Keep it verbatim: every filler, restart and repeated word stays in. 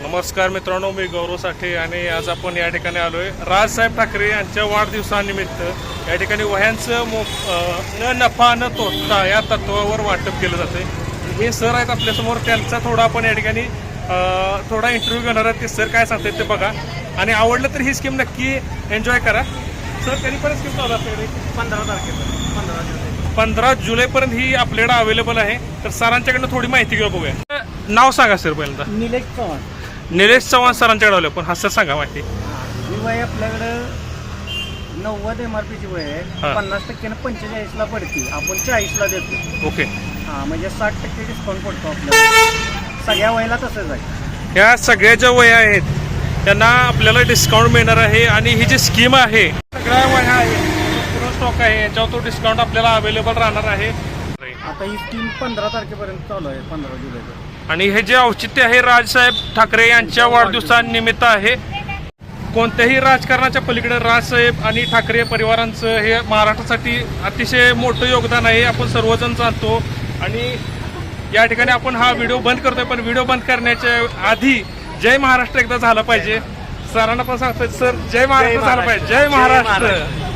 नमस्कार मित्रांनो, मी गौरव साठे आणि आज आपण या ठिकाणी आलोय राजसाहेब ठाकरे यांच्या वाढदिवसानिमित्त या ठिकाणी वह्यांचं मो न नफा न तोटा या तत्वावर वाटप केलं जाते। हे सर आहेत आपल्यासमोर, त्यांचा थोडा आपण या ठिकाणी थोडा इंटरव्ह्यू घेणार आहे। ते सर काय सांगतात ते बघा आणि आवडलं तर ही स्कीम नक्की एन्जॉय करा। सर कधीपर्यंत स्कीम चालू असते? पंधरा तारखेपर्यंत पंधरा जुलै पंधरा जुलैपर्यंत ही आपल्याकडे अवेलेबल आहे। तर सरांच्याकडनं थोडी माहिती घेऊ बघूया। नाव सांगा सर पहिल्यांदा। निलेश चव्हाण। निलेश चव्हाण सरांच्याकडे आलो पण हा सर सांगा माहिती। ही वय आपल्याकडं नव्वद एम आर पीची वय आहे, पन्नास टक्क्यानं पंचेचाळीसला पडते, आपण चाळीसला देतो। ओके, हां म्हणजे साठ टक्के डिस्काउंट पडतो आपल्याला, सगळ्या वयला तसंच आहे। ह्या सगळ्या ज्या वया आहेत त्यांना आपल्याला डिस्काउंट मिळणार आहे आणि ही जी स्कीम आहे सगळ्या वया आहे, पूर्ण स्टॉक आहे, याच्यावर तो डिस्काउंट आपल्याला अवेलेबल राहणार आहे। आता ही स्कीम पंधरा तारखेपर्यंत चालू आहे, पंधरा जुलैपर्यंत। आणि हे जे औचित्य आहे राजसाहेब ठाकरे यांच्या वाढदिवसानिमित्त आहे। कोणत्याही राजकारणाच्या पलीकडे राजसाहेब आणि ठाकरे परिवारांचं हे महाराष्ट्रासाठी अतिशय मोठं योगदान आहे, आपण सर्वजण जाणतो। आणि या ठिकाणी आपण हा व्हिडिओ बंद करतोय, पण व्हिडिओ बंद करण्याच्या आधी जय महाराष्ट्र एकदा झालं पाहिजे। सरांना पण सांगतोय सर, जय महाराष्ट्र झालं पाहिजे। जय महाराष्ट्र।